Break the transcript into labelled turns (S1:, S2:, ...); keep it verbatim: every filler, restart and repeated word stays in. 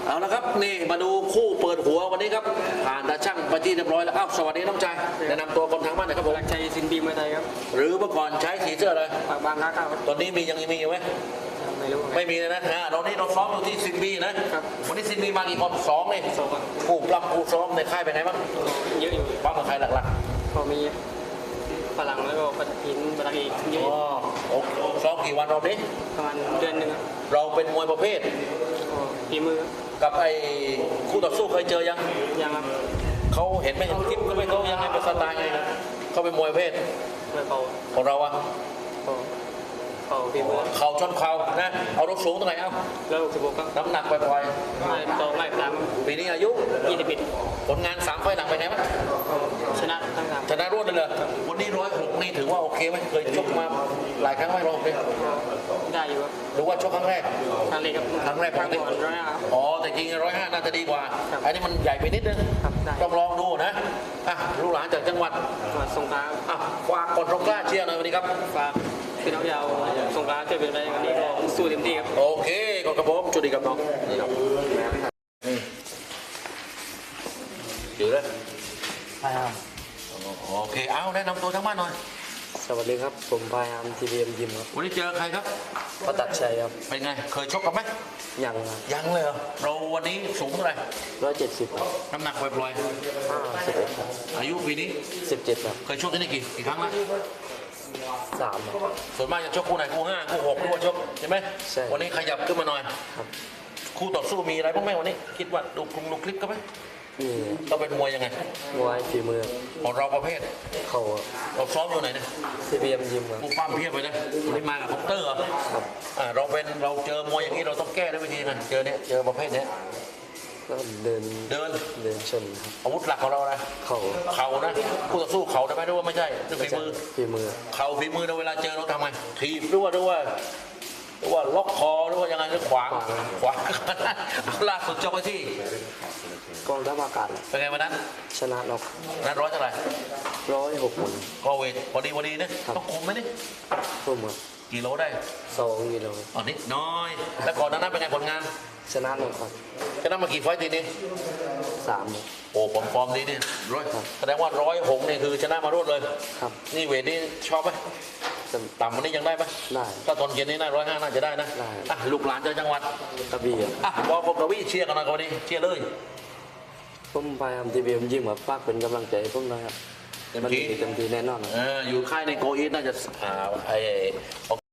S1: เอาละครับนี่มาดูคู่เปิดหัววันนี้ครับผ่านตาช่างไปที่เรียบร้อยแล้วอ้าวสวัสดีน้องชายแนะนำตัวคนทางบ้านหน่อยครับผม
S2: หลักชัยสินบีมวยไทยครับ
S1: หรือเมื่อก่อนใช้สีเสื้ออะไร
S2: ปากบางรักครับ
S1: ตอนนี้มียังมีอยู่ไหม
S2: ไม่รู้
S1: ไม่มีเลยนะฮะเรานี่เราซ้อมอยู่ที่ซินบีนะครับวันนี้ซินบีมากี่คนสองนี่
S2: สองครับ
S1: คู่ปรับคู่ซ้อมในค่ายเป็นไงบ้าง
S2: เยอะอยู่
S1: บ้างกับใครหลัก
S2: ก็มีฝรั่งแล้วก็ปัตตินบาราอีกเย
S1: ๆ
S2: อะ
S1: อ๋อโอเคซ้อมกี่วันรอบนี้
S2: ประมาณเดือนหนึ่งครับ
S1: เราเป็นมวยประเภท
S2: ก็ฝีมือ
S1: กับไอ้คู่ต่อสู้เคยเจอยัง
S2: ยังครับ
S1: เขาเห็นไหมเห็นคลิปก็ไม่เขายังไงเป็นสไตล์ไงเขาเป็นมวยประเภท
S2: มวยเป่า
S1: ของเราอะ
S2: ก็เป่าฝีมือ
S1: เข่าชนเข่านะเอารถสูงเท่าไหร่เอา
S2: แล้วสิบหกครับ
S1: น้ำหนักปล่อย
S2: ไม่เป่าไม่ตาม
S1: ๆปีนี้อายุ
S2: ยี่สิบเอ็ด
S1: ผลงานสามไฟล์หลังเป็นไงบ้าง
S2: ชนะทั้งสาม
S1: ชนะรวดเลยเหรอวันนี้ร้อยหกนี่ถือว่าโอเคไหมเคยชกมาหลายครั้งไหมร้อยหกเนี่ย
S2: ได้อยู่ครับ
S1: หรือว่าชกครั้งแรก
S2: ครั้งแรกครับ
S1: ครั้งแรก
S2: ครั้งก่อนร้อยห้าครับ
S1: อ๋อแต่จริงร้อยห้าน่าจะดีกว่า
S2: ครับ
S1: อันนี้มันใหญ่ไปนิดนึง
S2: ครับได้
S1: ต้องลองดูนะอ่ะลูกหลานจากจังหวัด
S2: จังหวัดสงขลาครับ
S1: อ่ะฝากกดตรงกล้าเชียร์หน่อยวันนี้ครับ
S2: ฝากพี่น้องชาวสงขลาช่วยเป็นแรงวันนี้ก็สู้เต็มที่ครับ
S1: โอเคขอบคุณผมจุดีกับน้องนี่ครับอืมอยู่เลย
S3: พายาม
S1: โอเคเอาแนะนำตัวทั้งบ้านหน่อย
S3: สวัสดีครับ ผมพายามทีวีเอ็มยิมครับ
S1: วันนี้เจอใครครับ
S3: ประตัดชัยครับ
S1: เป็นไงเคยชกกันไหม
S3: ยังครับ
S1: ยังเลยเหรอเราวันนี้สูงเท่าไหร่
S3: ร้อยเจ็ดสิบครับ
S1: น้ำหนักปล่อย
S3: ห้าสิบเอ็ดครับ
S1: ๆอายุปีนี้
S3: สิบเจ็ดครับ
S1: เคยชกที่นี่กี่กี่ครั้งแล้ว
S3: สามครับ
S1: ส่วนมากจะชกคู่ไหนคู่ห้าคู่หกหรือว่าชกใช่ไหม
S3: ใช่
S1: วันนี้ขยับขึ้นมาหน่อย
S3: ครับ
S1: คู่ต่อสู้มีอะไรบ้างไหมวันนี้ คิดว่าดูคงดูคลิปกันไหม
S3: นี่
S1: เราเป็นมวยยังไง
S3: มวยฝีมือ
S1: ของเราประเภท
S3: เข่า
S1: เราซ้อมอยู่ไหนเนี่ย
S3: ทีวีเอ็มยิมครับ
S1: ผู้ปั้มเพียบไปเลยวันนี้มากับคอปเตอร์เหรอ
S3: ครับ
S1: อ่าเราเป็นเราเจอมวยอย่างนี้เราต้องแก้ด้วยวิธีไงเจอเนี่ยเจอประเภทเนี้ย
S3: แล้วเดิน
S1: เดิน
S3: เดินชนครับ
S1: อาวุธหลักของเราอะไร
S3: เข่า
S1: เข่านะคู่ต่อสู้เข่าได้ไหมหรือว่าไม่ใช่ด้วยฝีมือ
S3: ฝีมือ
S1: เข่าฝีมือเราเวลาเจอเราทำไงถีบหรือว่าหรือว่าหรือว่าล็อกคอหรือว่ายังไงหรือขวางขวางเอาล่าสุดจบไปที่
S3: กองทัพอากาศ
S1: เป็นไงวันนั้น
S3: ชนะน็อก
S1: นั้นร้อยเท่าไหร่
S3: ร้อยหกหมุน
S1: ก็เวทพอดีพอดีนะต้องคุมไหมนี่
S3: ทุ่มครับ
S1: กี่โลได้
S3: สองกิโล
S1: อ๋อนิดน้อย แล้วก่อนหนานั้นเป็นไงผลงาน
S3: ชนะน็อกครับ
S1: ชนะมากี่ไฟต์ทีนี้
S3: สามครับ
S1: โอ้ผมฟอร์มดีนี่ร้อย
S3: ครับ
S1: แสดงว่าร้อยหกนี่คือชนะมารวดเลย
S3: ครับ
S1: นี่เวทนี่ชอบไหม
S3: จะ
S1: ต่ำวันนี้ยังได้ไหม
S3: ได้
S1: ถ้าตอนเย็นนี่น่าร้อยห้าน่าจะได้นะ
S3: ได้
S1: อ่ะลูกหลานจากจังหวัด
S3: กระบี่ครับ
S1: อ่ะบอกผมกับวิเชียร์กันหน่อยวันนี้เชียร์เลย
S3: ผมพยายามทีวีเอ็มยิมครับฝากเป็นกำลังใจให้ผมนะครับ
S1: เต็ม
S3: มัน
S1: ที่
S3: ดีเต็มที่แน่นอนครับ
S1: เอออยู่ค่ายในโกอีทน่าจะอ่าไอ